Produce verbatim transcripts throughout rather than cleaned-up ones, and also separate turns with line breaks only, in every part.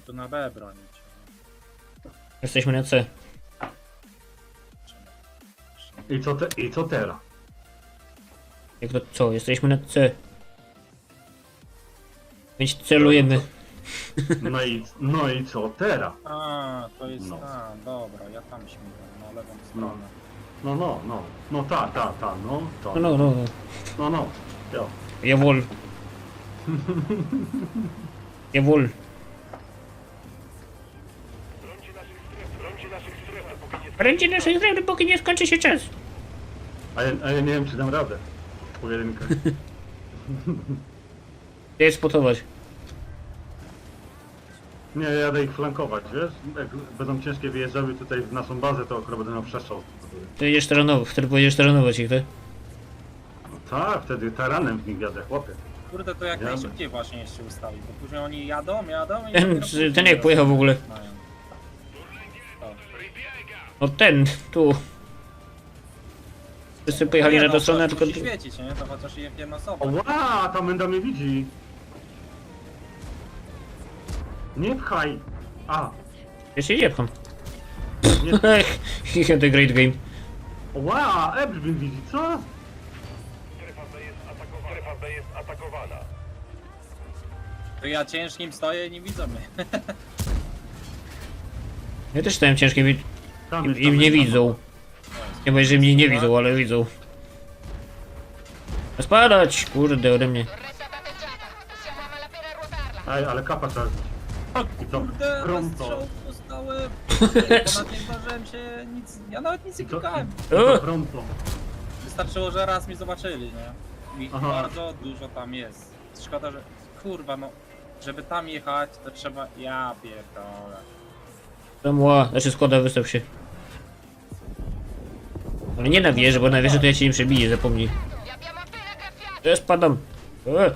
tu na B bronić.
Jesteśmy na C.
I co, te, i co teraz?
Jak to co? Jesteśmy na C. Więc celujemy.
No i, no i co teraz?
A, to jest
No.
tam, dobra, ja tam śmigam, na lewą stronę.
No, no, no. No ta, ta, ta, no. To.
No, no, no.
No, no. Jo.
Jawohl. Jawohl. Bręcie naszej strefy, póki nie skończy się czas.
A ja, a ja nie wiem, czy dam radę. Pojedynkę.
Gdzie je spotować?
Nie, ja jadę ich flankować, wiesz? Jak będą ciężkie wyjeżdżały tutaj w naszą bazę, to akurat będę miał przestrzał.
Ty jedziesz terenowo, wtedy pojedziesz terenować ich, tak?
No tak, wtedy taranem w nich jadę, chłopie.
Kurde, to jak
Ja-
najszybciej właśnie jeszcze ustawi, bo później oni jadą, jadą i...
Ten-
dopiero później
ten jak pojechał w ogóle?
rozpoczynają.
No ten, tu. Wszyscy pojechali
Nie,
na
no,
tę stronę,
to
tylko...
musi świecić, nie? To chociaż jak jedna osoba.
Ła, ta menda mnie widzi. Nie pchaj. A,
Ja się nie pcham.
nie.
Ech, the great game.
Ła, Ebr mnie widzi, co?
Strefa B jest atakowana. Strefa B jest atakowana.
To ja ciężkim stoję i nie widzą mnie.
Ja też stałem ciężkim i,
Tam
i,
jest,
i
tam
mnie
jest, tam.
widzą. Nie mówię, że mnie nie widzą, ale widzą. Spadać! Kurde, ode mnie.
Torretta danneggiata. Possiamo a malapena ruotarla.
Ej, ale kapa trzeba zbić. I co?
Kurde,
Pronto.
strzał dostałem. Ponad nie zdążyłem się nic... Ja nawet nic nie
I co?
klikałem.
I co pronto.
Wystarczyło, że raz mnie zobaczyli, nie? I
Aha.
bardzo dużo tam jest. Szkoda, że... Kurwa, no... Żeby tam jechać, to trzeba... Ja pierdolę.
Tam ła, znaczy składa, wystaw się. Ale nie na wieżę, bo na wieżę to ja cię nie przebiję, zapomnij.
Li abbiamo appena graffiati.
Ja spadam. E,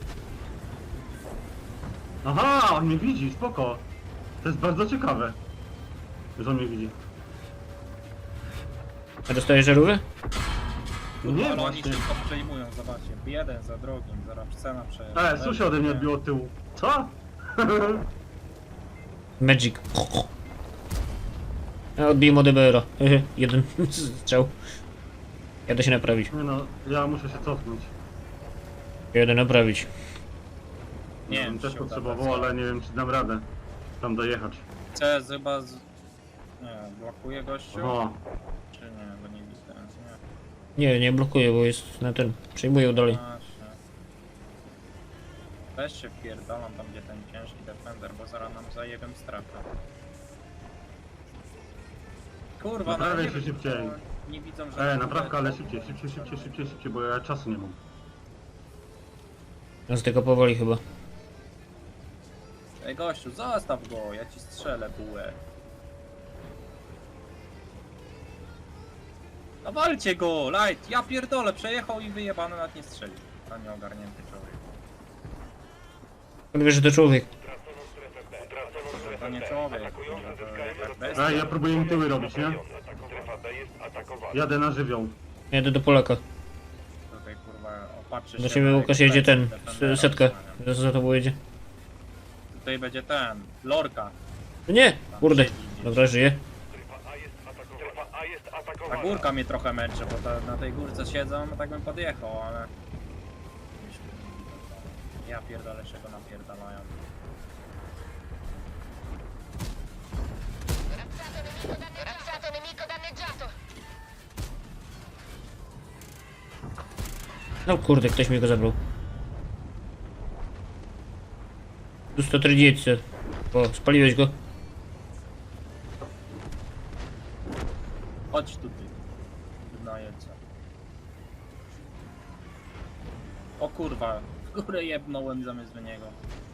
Aha, on mnie widzi, spoko. To jest bardzo ciekawe, że on mnie widzi.
a dostajesz żarówkę?
Nie,
Ale oni
właśnie.
szybko przejmują, zobaczcie. Jeden za drugim, zaraz cena przejeżdża.
E, sushi ode mnie odbiło od tyłu. Co?
Magic. Ja odbiję od D B R-a. Jeden strzał. Jadę się naprawić.
Nie no, ja muszę się cofnąć.
Jadę naprawić.
Nie
Ja
wiem,
bym
czy
też
się
potrzebował,
uda,
ale nie wiem, czy dam radę tam dojechać.
C chyba z... Nie, blokuje gościu?
O,
Czy nie, bo nie widzę. Nie.
Nie, nie blokuję, bo jest na ten. Przejmuję dalej.
Właśnie. Weź się wpierdalam tam, gdzie ten ciężki defender, bo zaraz nam zajebią strefę. Kurwa, no
Naprawiaj
nie
się
wiem,
szybciej.
bo nie widzą, że...
e, naprawka, ale szybciej, szybciej, szybciej, szybciej, szybciej, bo ja czasu nie mam.
Nas tylko powoli chyba.
Ej gościu, zostaw go, ja ci strzelę bułę. No walcie go, light, ja pierdolę, przejechał i wyjebany, nawet nie strzelił. A nie ogarnięty człowiek.
On wie, że to człowiek.
Traconą strefę B. Traconą strefę
To nie
B.
człowiek,
Atakujący
to
zyskają
jak
rozpoznanie.
bestia.
Ej, ja próbuję im tyły robić, nie?
Strefa B jest atakowana.
Jadę na żywioł.
Jadę do Polaka.
Tutaj kurwa, opatrzy się
Do ciebie
na
Łukasz
jak
jedzie ten.
plecy defendera
s- Setka.
osłania.
Za za tobą jedzie.
Tutaj będzie ten, lorka.
No nie! Kurde. Dobra, żyje.
Strefa A jest atakowana. Strefa A jest
Ta
atakowana.
górka mnie trochę męczy, bo ta, na tej górce siedzą, no tak bym podjechał, ale... Ja pierdolę, czego napierdalają.
Razzato nemico danneggiato.
No kurde, ktoś mi go zabrał. Tu sto trzydzieści. O, spaliłeś go.
Chodź tutaj. Najedźcie. O kurwa, w górę jebnąłem zamiast do niego.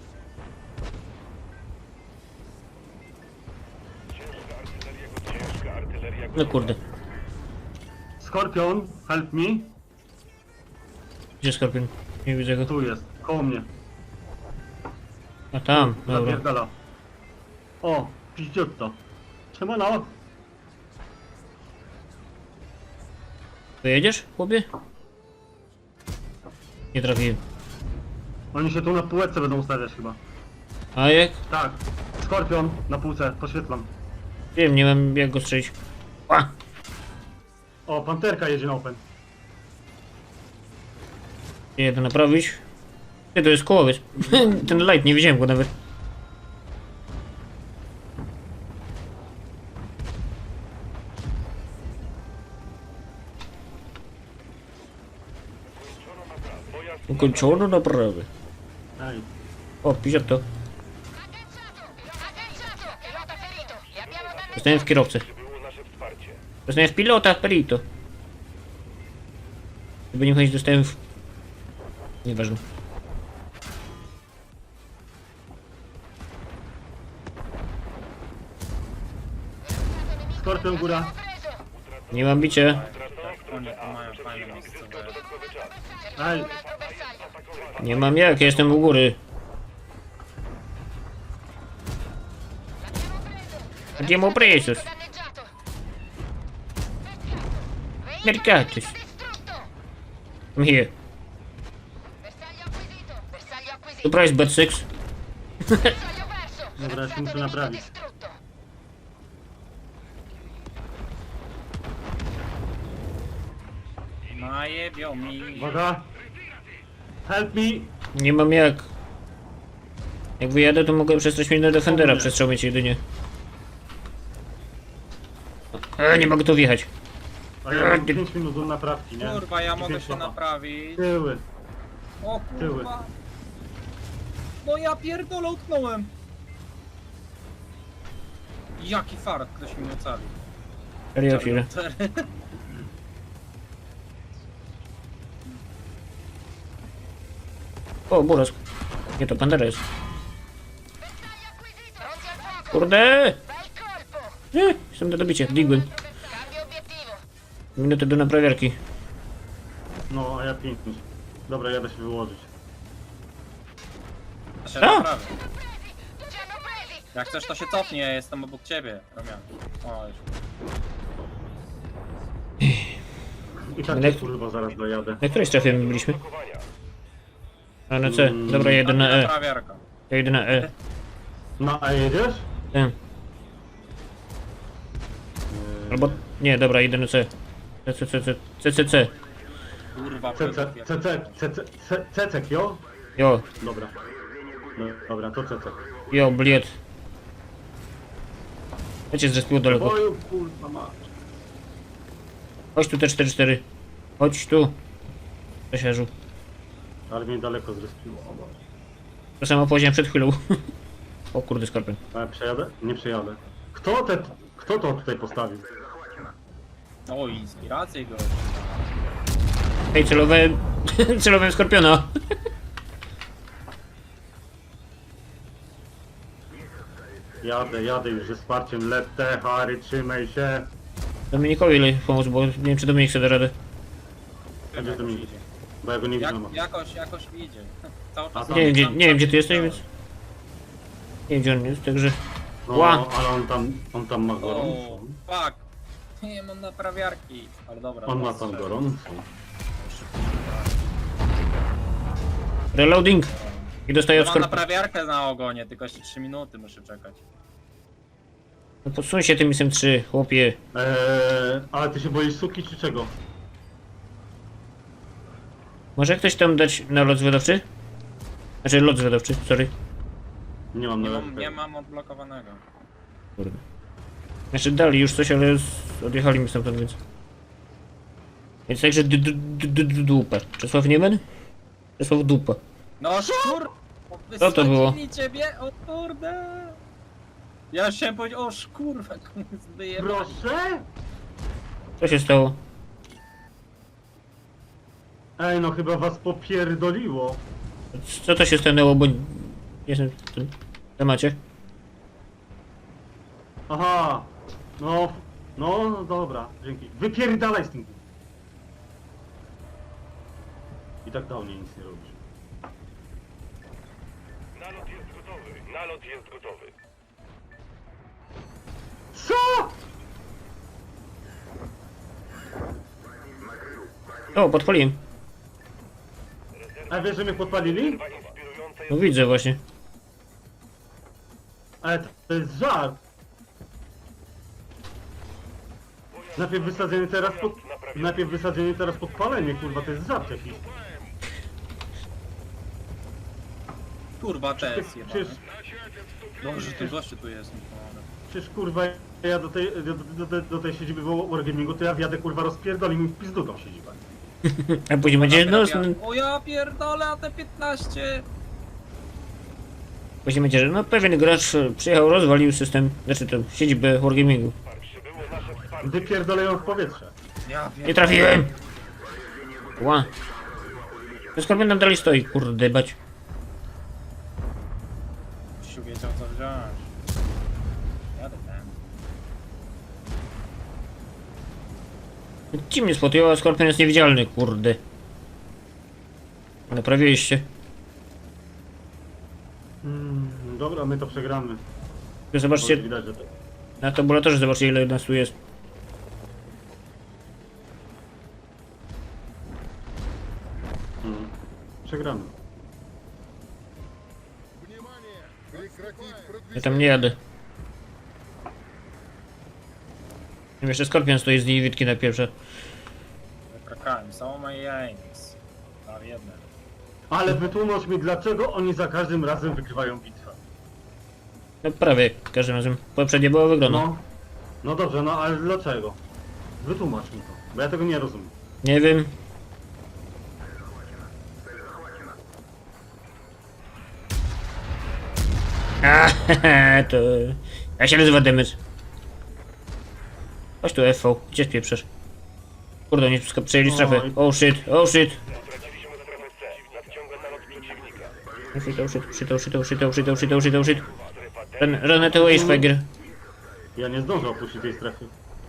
Ciężka artyleria gotowa. Ciężka artyleria
No
gotowa.
kurde.
Skorpion, help me.
Gdzie Skorpion? Nie widzę go.
Tu jest, koło mnie.
A tam, dobra.
Zapierdala. O, piździutto. Siemano.
Pojedziesz, chłopie? Nie trafiłem.
Oni się tu na półeczce będą ustawiać chyba.
A jak?
Tak. Skorpion na półce, poświetlam.
Wiem, nie mam jak go strzelić. A!
O, panterka jedzie na open.
Nie to naprawić. Nie, to jest kołowiec. Ten light, nie widziałem go nawet. Ukończono naprawy.
Ej,
O, pisze to.
Agganciato! Agganciato! Pilota ferito! Li abbiamo danneggiato!
Zostałem w kierowcę.
Było nasze wsparcie.
Dostałem w pilota, perito. Żeby nie chodzić, dostałem w... Nieważne.
Skorpion góra.
Preso!
Nie mam bicia.
Oni tu mają fajne miejscowe.
Ej,
Un altro bersaglio!
Nie mam jak, ja jestem u góry. Abbiamo preso.
Danneggiato!
Mercatus.
Distrutto!
I'm here.
Bersaglio acquisito! Bersaglio acquisito!
Surprise, bad six.
Bersaglio perso!
Dobra,
Bersaglio
muszę
nemico
naprawić.
distrutto!
Najebią mi.
uwaga. Help me.
Nie mam jak. Jak wyjadę, to mogę przestać mieć na Defendera, przestrzał mieć jedynie. E, nie mogę tu wjechać.
A ja mam pięć minut do naprawki, nie?
Kurwa, ja
I
mogę
pięć
się
lata.
naprawić.
Tyły.
O
Tyły.
kurwa. No ja pierdolę utknąłem. Jaki fart, ktoś mi ocalił.
Serio, chwilę. O, Burask. Nie, to Pandera jest.
Pronti al fuoco!
Kurde!
Bel colpo!
Nie, jestem do dobicia. Digłem.
Cambio obiettivo!
Minutę do naprawiarki.
No, a ja pięć minut. Dobra, jadę się wyłożyć.
Ja się
A!
naprawię.
Ci hanno presi!
Jak chcesz, to się cofnie, ja jestem obok ciebie, Romian. O, już.
I tak
Ale-
cię, kurwa zaraz dojadę.
Na której strefie my byliśmy? A na C. Dobra, jedę na E.
Naprawiarka.
Ja jedę na E.
No, a jedziesz?
E. Albo... Nie, dobra, jedę na C. C, C, C, C, C, C, C.
Kurwa,
C C, C C, C C, C Cecek, jo?
Jo,
Dobra. No, dobra, to Cecek.
jo, bliet. Ja cię zrespił daleko.
Boju, kurwa ma.
Chodź tu T cztery cztery. Chodź tu. Przesiarzu.
Ale mnie daleko zrespiło. O Boże.
To samo powiedziałem przed chwilą. O kurde, skorpion.
A ja przejadę? Nie przejadę. Kto te, kto to tutaj postawił?
O, inspirację go.
Ej, celowałem... celowałem skorpiona.
Jadę, jadę już ze wsparciem. Lecę, Harry, trzymaj się.
Dominikowi ile pomóc, bo nie wiem czy Dominik sobie da radę.
Będzie to mi. Bo ja go nie
Jak,
widzę.
jakoś, jakoś idzie. Cały czas
A
Nie wiem, gdzie,
tam-
nie wiem gdzie ty
tam-
jesteś, więc... Nie wiem gdzie on jest, także...
No,
Ła.
ale on tam, on tam ma
O,
gorąco.
fuck. Nie mam naprawiarki. Ale dobra.
On ma
teraz
tam
strzelę.
gorąco.
Reloading! I dostaję
Ja
od
mam
skorpiona.
naprawiarkę na ogonie, tylko jeszcze trzy minuty muszę czekać.
No podsuń się tym isem trzy, chłopie.
Eee, ale ty się boisz suki czy czego?
Może ktoś tam dać na lot zwiadowczy? Znaczy lot zwiadowczy, sorry.
Nie mam
Nie
na
mam, nie mam odblokowanego.
Kurde. Znaczy dali już coś, ale z... odjechali mi stamtąd, więc... Więc także d- d- d- d- d- dupa. Czesław Niemen? Czesław dupa.
No szkur!
Co to było?
Wysadzili ciebie, o kurde! Ja już chciałem powiedzieć, o szkurwa, wyjebać.
Proszę?
Co się stało?
Ej, no chyba was popierdoliło.
Co to się stanęło, bo... Jestem w tym temacie.
Aha. No, no, no dobra, dzięki. Wypierdalaj z tym. I tak dawniej nic nie robisz.
Nalot jest gotowy. Nalot jest gotowy.
Co?
O, podpaliłem.
A wiesz, że mnie podpalili?
Dwa inspirujące
No widzę właśnie.
Ale to, to jest żart. Najpierw wysadzenie, teraz pod... Najpierw wysadzenie, teraz podpalenie, kurwa, to jest żart jakiś.
Kurwa, te jest
Przecież,
jebane. Boże, ty gościu tu jest, mi pomaga.
przecież kurwa, ja do tej, do, do, do, do tej siedziby Wargamingu, to ja wjadę, kurwa, rozpierdolę mi w pizdu tą siedzibę.
A później będzie, no,
Ja- O ja pierdolę, a te piętnaście!
później będzie, że no pewien gracz e, przyjechał, rozwalił system, znaczy to siedzibę Wargamingu.
Przybyło nasze wsparcie.
Wypierdolę ją w powietrze.
Ja
Nie
wiem.
trafiłem! Ła. To Skorpion nam dalej stoi, kurde bać.
Siu wiedział co wziąć. Jadę ten.
Ci mnie spotykało, a Skorpion jest niewidzialny, kurde. Naprawiliście.
Mm, dobra, my to przegramy.
Tu Zobaczcie,
Widać, że to...
na tabulatorze zobaczcie ile nas tu jest.
Mm, przegramy.
Ja tam nie jadę. Jeszcze Skorpion stoi z niewidki na pierwsze.
Wykrakałem, są moje aims. Tam jedne.
Ale wytłumacz mi, dlaczego oni za każdym razem wygrywają bitwę.
No prawie każdym razem. Poprzednie było wygrano.
No, no dobrze, no ale dlaczego? Wytłumacz mi to, bo ja tego nie rozumiem.
Nie wiem. A, to... Ja się nazywa Demys. Chodź tu F V, gdzie spieprzasz? Kurde, nie sk- przejęli strefę.
Oj.
Oh shit, oh shit.
Straciliśmy strefę C. Nadciąga nalot przeciwnika.
Oh shit, oh shit, oh shit, oh shit, oh shit, oh shit, oh shit, oh shit, oh shit. Run, run at away, Schweiger.
Ja nie zdążę opuścić tej strefy.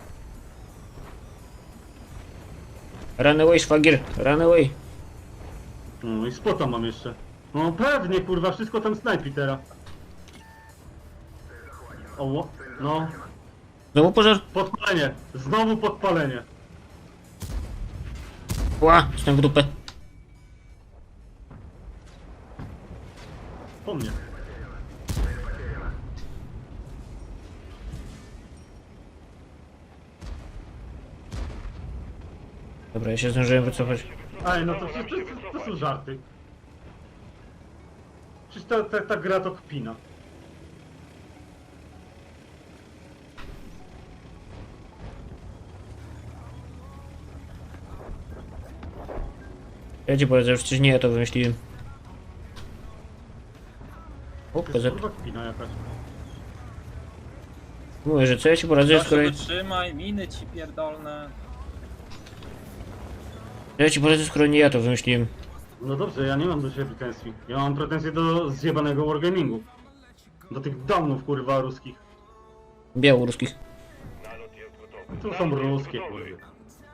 Run away, Schweiger, run away.
No i spota mam jeszcze. No pewnie, kurwa, wszystko tam snajpi teraz. O, no,
Znowu pożar?
podpalenie, znowu podpalenie.
Ła, jestem w dupę.
Po mnie.
Dobra, ja się zdążyłem wycofać.
Ej, no to, to, to, to są żarty. Przecież ta, ta, ta gra to kpina.
Ja ci powiedzę, że przecież nie ja to wymyśliłem. O,
To
P Z.
jest kurwa kpina jakaś.
Mówię, że co ja ci poradzę,
Gościu,
skoro...
wytrzymaj, miny ci pierdolne.
Ja ci poradzę, skoro nie ja to wymyśliłem.
No dobrze, ja nie mam do siebie pretensji. Ja mam pretensje do zjebanego wargamingu. Do tych domów, kurwa, ruskich.
Białoruskich.
Nalot jest gotowy.
To są ruskie, kurwa.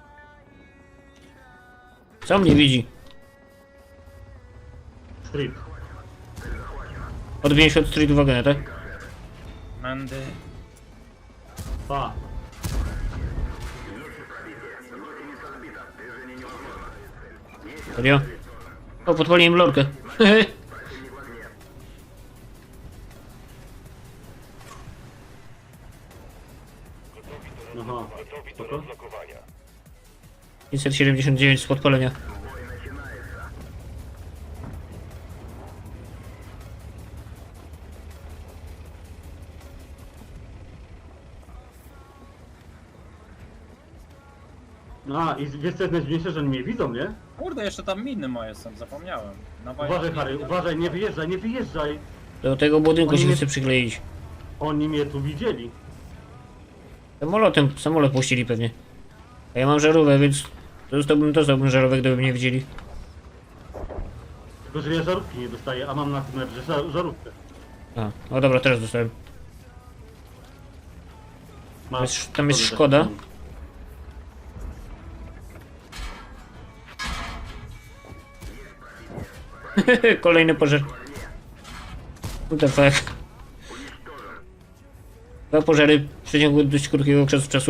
Co mnie widzi?
Street.
Odbiję się od street wagona, tak?
Mendy.
Pa.
Serio? O, podpaliłem lorkę.
Aha.
Gotowi do
Spoko.
rozlokowania.
pięćset siedemdziesiąt dziewięć z podpalenia.
A, i wiesz co jest najdziwniejsze, że oni mnie widzą, nie?
Kurde, jeszcze tam miny moje są, zapomniałem. Na
Uważaj, Harry, uważaj, nie wyjeżdżaj, nie wyjeżdżaj.
Do tego budynku
Oni
się
nie-
chce przykleić.
Oni mnie tu widzieli.
Samolotem, samolot puścili pewnie. A ja mam żarówkę, więc dostałbym, dostałbym żarówkę, gdyby mnie widzieli.
Tylko, że ja żarówki nie dostaję, a mam na tym lepsze żar żarówkę.
A, no dobra, teraz dostałem.
Masz,
Jest- tam jest
Dobrze,
Szkoda.
tak.
Kolejny pożar. What the fuck? Dwa pożary w przeciągu dość krótkiego okresu czasu.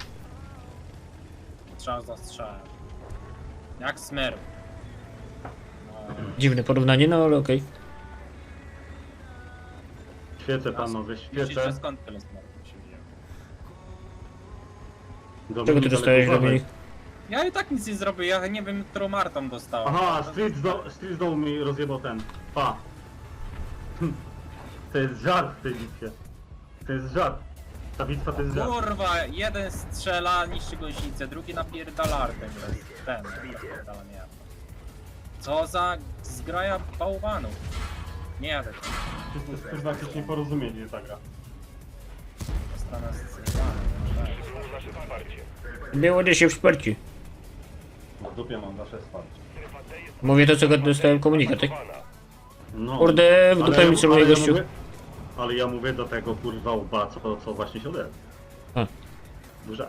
Strzał za strzałem. Jak smer. No,
Dziwne porównanie, no ale okej.
Świecę panowie,
Myślisz,
świecę.
że skąd tyle smartów się wzięło?
Czego ty
Dominik,
dostałeś,
ale
Dominik?
Ja i tak nic nie zrobię, ja nie wiem, którą Martą dostałem.
Aha, Street z, do, Street z dołu mi rozjebał ten. Pa. Hm. To jest żart w tej bitwie. To jest żart. Ta bitwa to jest żart.
Kurwa, jeden strzela, niszczy goźnicę, drugi napierdala artem. Ten, napierdala, nie. Co za zgraja bałwanów. Nie jadę tam.
To jest chyba jakieś nieporozumienie ta gra.
Strona zcytowana.
Przyjmą nasze wsparcie.
Było gdzieś się w szperci.
W dupie mam wasze wsparcie.
Strefa D jest
Mówię to, co go dostałem komunikat, tak?
atakowana.
No.
Kurde, w
Ale
dupę
ja-
mi celuje
ale ja
gościu.
mówię- Ale ja mówię do tego kurwa łba, co, co właśnie się odezwał.
A.
Duża.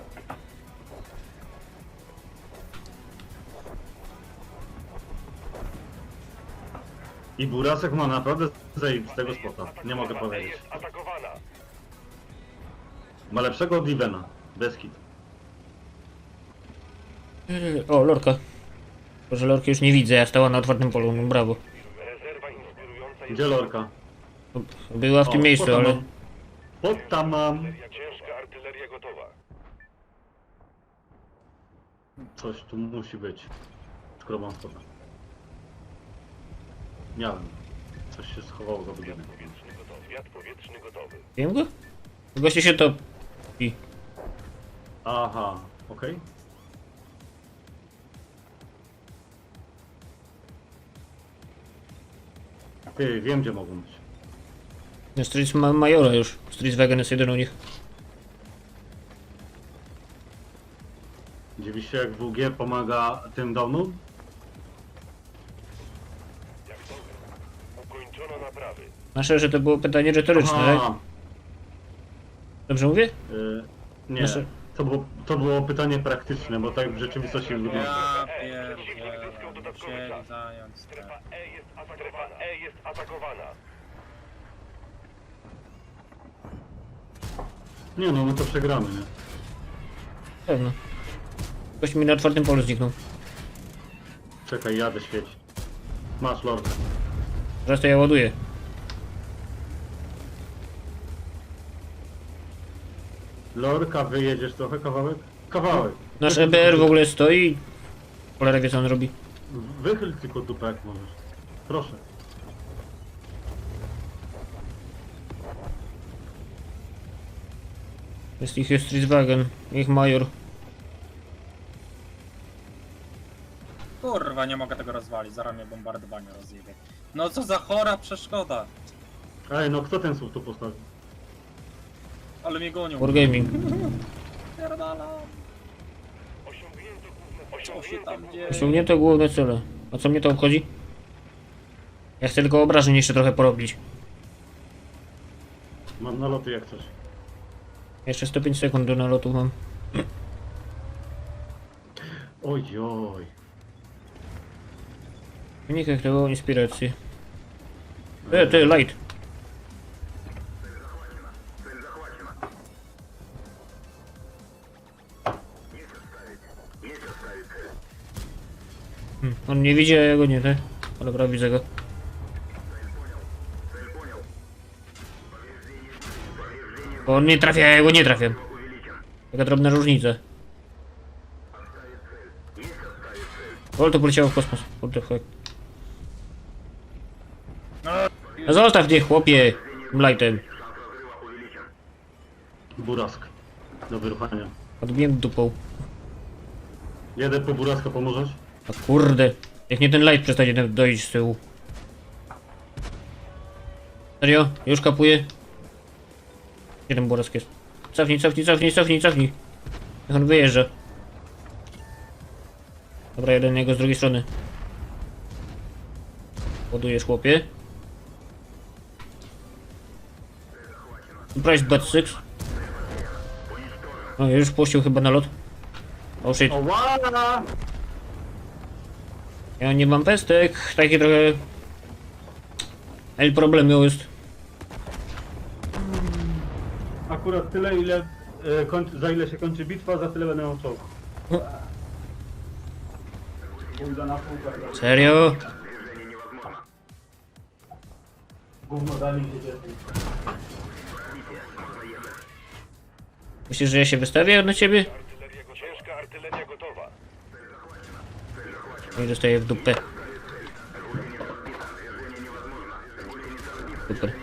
I Burasek ma naprawdę zajebistego spota. Nie mogę
Strefa D
powiedzieć.
jest atakowana.
Ma lepszego od Ivena. Bez kit.
Yy, O, lorka. Boże, lorki już nie widzę, ja stała na otwartym polu, no brawo.
Rezerwa inspirująca jest...
Gdzie lorka?
Była w tym
O,
miejscu,
spota
ale...
mam. Spota mam.
Ciężka artyleria gotowa.
Coś tu musi być. Skoro mam spota. Miałem. Coś się schowało za budynek.
Powietrzny gotowy. Wiatr powietrzny gotowy.
Wiem go? Goście się to... I...
Aha, okej. Ty, wiem gdzie mogą być.
No, Street ma Majora już. Street Wagon jest jeden u nich.
Dziwisz się jak W G pomaga tym downom?
Jak to? Ukończono naprawy.
Nasze, że to było pytanie retoryczne, tak?
Aha,
Dobrze mówię?
y, nie.
Nasze-
To było, to było pytanie praktyczne, bo tak w rzeczywistości wygląda.
Ja pierdzielę, musieli zająć
Strefa
strefę.
E jest atakowana. Strefa E jest atakowana.
Nie no, my to przegramy, nie?
Pewno. Gość mi na otwartym polu zniknął.
Czekaj, jadę świeć. Masz lorkę.
Teraz to ja ładuję.
Lorka, wyjedziesz trochę kawałek? Kawałek.
Nasz E B R w ogóle stoi. Cholera wie co on robi.
Wychyl tylko dupę jak możesz. Proszę.
Jest ich jest Street Wagon. Ich Major.
Kurwa, nie mogę tego rozwalić, zaraz mnie bombardowanie rozjebie. No co za chora przeszkoda.
Ej, no kto ten słup tu postawił?
Ale mnie gonią.
Wargaming.
Pierdalam.
Osiągnięto główne...
Co się tam dzieje?
Osiągnięto główne cele. A co mnie to obchodzi? Ja chcę tylko obrażeń jeszcze trochę porobić.
Mam naloty jak coś.
Jeszcze sto pięć sekund do nalotu mam.
Oj, oj.
W wynikach tego inspiracji. E, ty, light. Hmm, on nie widzi, a ja go nie, tak? O, dobra, widzę go. Bo on nie trafia, a ja go nie trafiam. Taka drobna różnica. O, to poleciało w kosmos. What the fuck. No zostaw mnie, chłopie. Lightem.
Burask. Do wyruchania.
Odbiłem dupą.
Jedę po buraska, pomożesz?
A kurde. Jak nie ten light przestanie tam dojść z tyłu. Serio? Już kapuję? Gdzie ten burask jest? Cofnij, cofnij, cofnij, cofnij, cofnij. Niech on wyjeżdża. Dobra, jeden jego z drugiej strony. Ładujesz, chłopie. Price bat six. O, już puścił chyba na lot. Oh shit.
Oła!
Ja nie mam pestek, taki trochę... El problem jest.
Akurat tyle, ile e, kończy, za ile się kończy bitwa, za tyle będę miał czołg. Pójdę na półkę.
Serio?
Gówno dali się dzieci.
Myślisz, że ja się wystawię na ciebie?
Artyleria go... Ciężka artyleria gotowa.
No i dostaję w dupę. Super.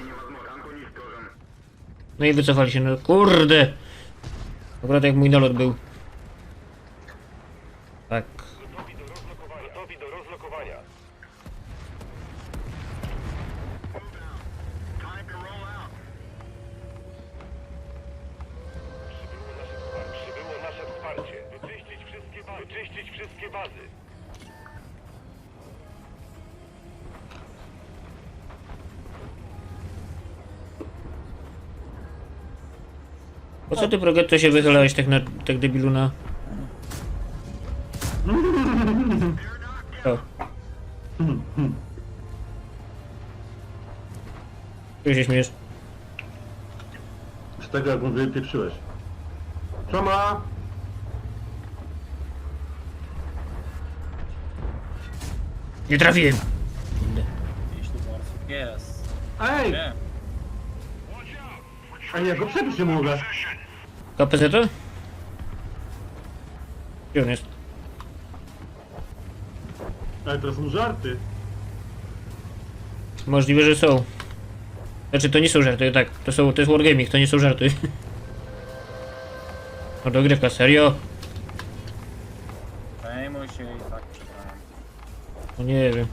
No i wycofali się, no kurde! Akurat jak mój nalot był. Tak.
Gotowi do rozlokowania. Gotowi do rozlokowania. Przybyło nasze wsparcie. Wyczyścić wszystkie bazy. Wyczyścić wszystkie bazy.
Po co ty, Progetto, się wychylałeś tak na... tak debilu na... O. Czego się śmiejesz?
Z tego jak mu wypieprzyłeś. Czoma!
Nie trafiłem!
Gdzieś tu Borsuk jest.
Ej!
Nie.
Ej, ja go przebić nie mogę.
K P Z to? Gdzie on jest?
Ej, to są żarty.
Możliwe, że są. Znaczy, to nie są żarty, tak. To są, to jest wargaming, to nie są żarty. O, dogrywka, serio?
Przejmuj się i tak przegrałem.
No nie wiem.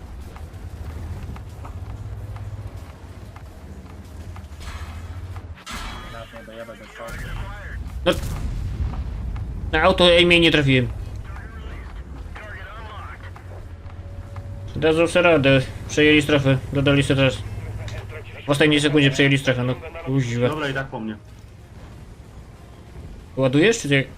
Nawet nie dojebę do czołgu.
No. Na auto aimie nie trafiłem. Dadzą sobie radę. Przejęli strefę. Dodali sobie teraz. W ostatniej sekundzie przejęli strefę, no kuźwa.
Dobra, i tak po mnie.
Ładujesz, czy jak?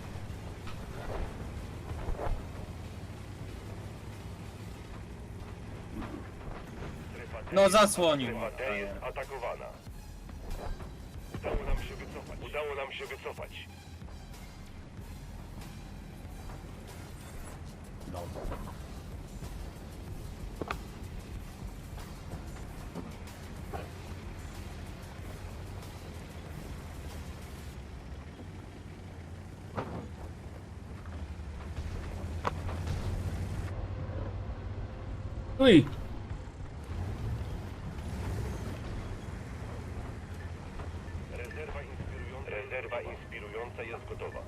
No zasłonił.
Strefa D jest atakowana. Udało nam się wycofać. Udało nam się wycofać.
Uj!
Rezerwa inspirująca. Rezerwa inspirująca jest gotowa.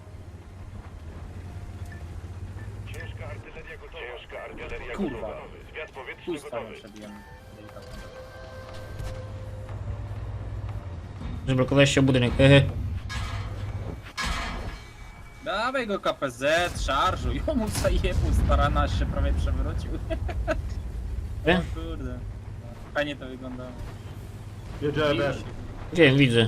Ciężka artyleria gotowa. Ciężka artyleria
Kurwa.
gotowa. Zwiat powietrzny
Pusta
gotowy.
nie przebiłem. Delikatnie.
Zblokowałeś się o budynek, hehe.
Dawaj go K P Z, szarżuj. O mu zajebu, starana się prawie przewrócił.
E?
O kurde. Fajnie to wyglądało.
Jedzie E B R.
Wiem, widzę.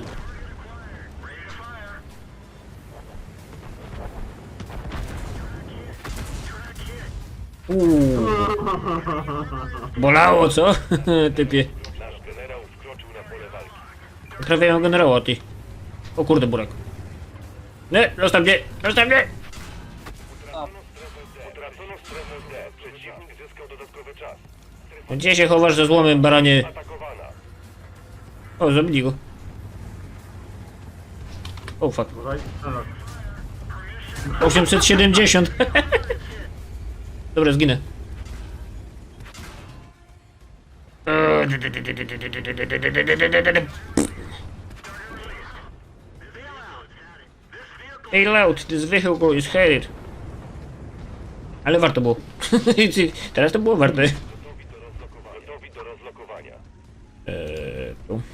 Uuu. Bolało, co? Typie.
Nasz generał wkroczył na pole walki.
Trafiają generała, ty. O kurde, burak. Nie, zostaw mnie, zostaw mnie!
Utracono strefę D. Przeciwnik zyskał dodatkowy czas.
Gdzie się chowasz za złomem, baranie?
Atakowana.
O, zabili go. O, fuck.
Uważaj. Strzelak.
osiemset siedemdziesiąt. Dobra, zginę. Hey loud, this vehicle is headed. Ale warto było. Teraz to było warte.
Gotowi do rozlokowania. Gotowi do rozlokowania.
Eee, tu.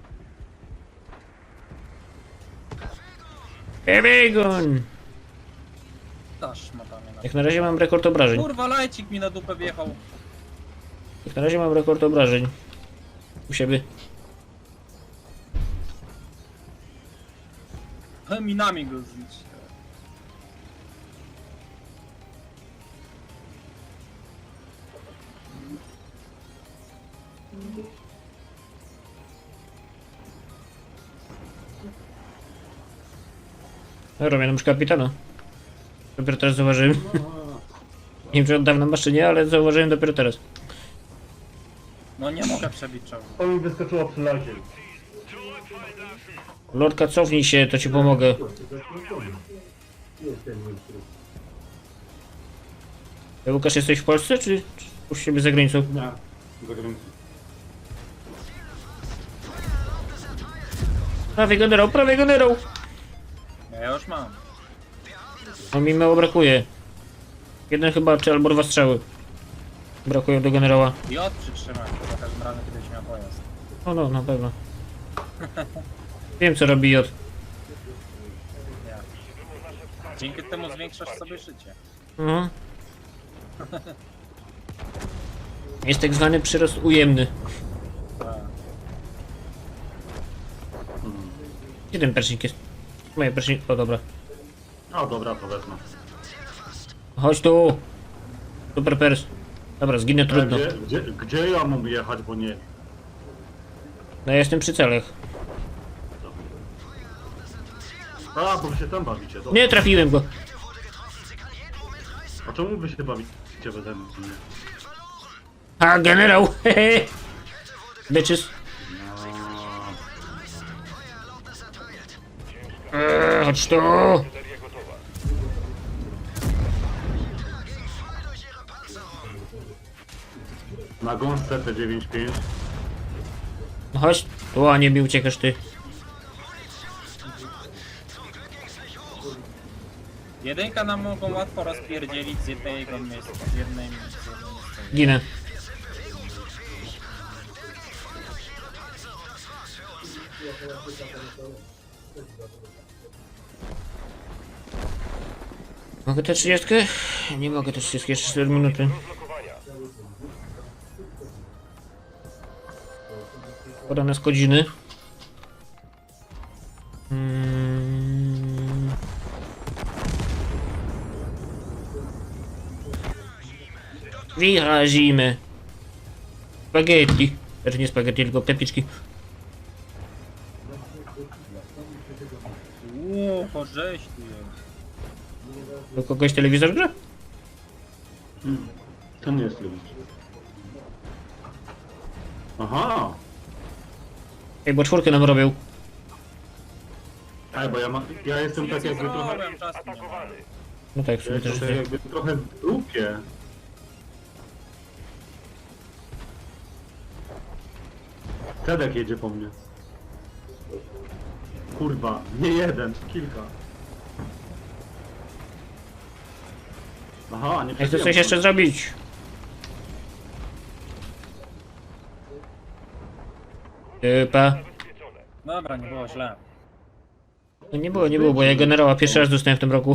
Ebegon!
Dasz ma tam na...
Jak na razie mam rekord obrażeń.
Kurwa, lajcik mi na dupę wjechał.
Jak na razie mam rekord obrażeń. U siebie.
Minami go zniszczy.
Dobra, miałem już kapitana. Dopiero teraz zauważyłem. Nie wiem, czy od dawna masz, czy nie, ale zauważyłem dopiero teraz.
No nie mogę przebić czołgu.
To mi wyskoczyło przy lazie.
Lorka, cofnij się, to ci pomogę. Ty, Łukasz, jesteś w Polsce, czy, czy u siebie za granicą?
Nie, za granicą.
Prawie generał, prawie generał!
Ja już mam.
No mi mało brakuje. Jeden chyba, czy albo dwa strzały. Brakują do generała.
I od przytrzymaj, to za każdym razem kiedyś miał pojazd.
No, no, na pewno. Wiem, co robi J.
Ja. Dzięki temu zwiększasz sobie życie.
Mhm. Jest tak zwany przyrost ujemny.
Tak.
Gdzie ten persznik jest? Moje persznik... O, dobra.
O dobra, to wezmę.
Chodź tu! Super pers. Dobra, zginę trudno.
Gdzie, gdzie, gdzie ja mam jechać, bo nie...
No ja jestem przy celach.
A, bo wy się tam bawicie, dobra.
Nie trafiłem go.
A czemu wy się bawicie beze mnie?
A, generał! Hehe! Bitches. Eee, chodź tu!
Artyleria gotowa.
Na gąsce T dziewięćdziesiąt pięć.
No chodź tu, a nie mi uciekasz ty.
Jedynka nam mogą łatwo rozpierdzielić z jednego miejsca. Z jednej z jednej miejsca.
Ginę. Mogę tę trzydziestkę? Nie mogę tę trzydziestkę, jeszcze cztery minuty.
Rozlokowania.
Pora na skodziny. Mm. Wyrazimy. Spaghetti. Znaczy nie spaghetti, tylko pepiczki.
Uuu, porześ tu jest.
Do kogoś telewizor gra?
To nie jest lubić. Aha!
Ej, bo czwórkę nam robią.
Ej, bo ja, ma, ja jestem tak jakby trochę...
Zrobiłem czas nie ma.
Atakowany.
No tak, w
Ja
sumie też
jestem tak jakby trochę w dupie. Tedek jedzie po mnie. Kurwa, nie jeden, kilka. Aha, nie
Ja chcę
przebiłem.
coś jeszcze zrobić. Typa.
Zabezpieczone.
Dobra, nie było źle.
No nie było, nie było, bo ja generała pierwszy raz dostałem w tym roku.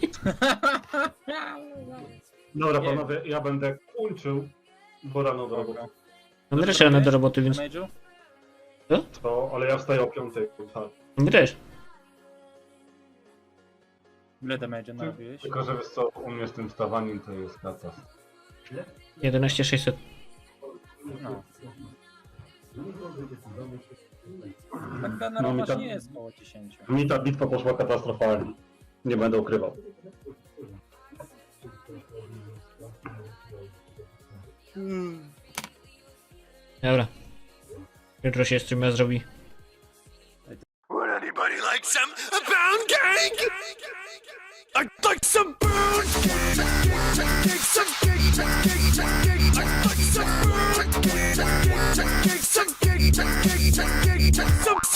Dobra panowie, ja będę kończył, bo rano do roboty.
No my też rano do roboty, więc...
Damage'u?
To, ale ja wstaję o piątej, tak.
My też.
Ile damage'u narobiłeś?
Tylko, że wiesz co, u mnie z tym stawaniem to jest katastrofa.
jedenaście tysięcy sześćset.
No. Tak ten
No, mi
romasz
tam-
nie jest koło dziesięć.
Mi ta bitwa poszła katastrofalnie. Nie będę ukrywał.
Dobra. Jutro się streama zrobi.
Would anybody like some pound cake? I'd like some pound cake. Some cake, some cake, some cake. I'd like some pound cake. Some cake, some cake, some cake, some cake. Some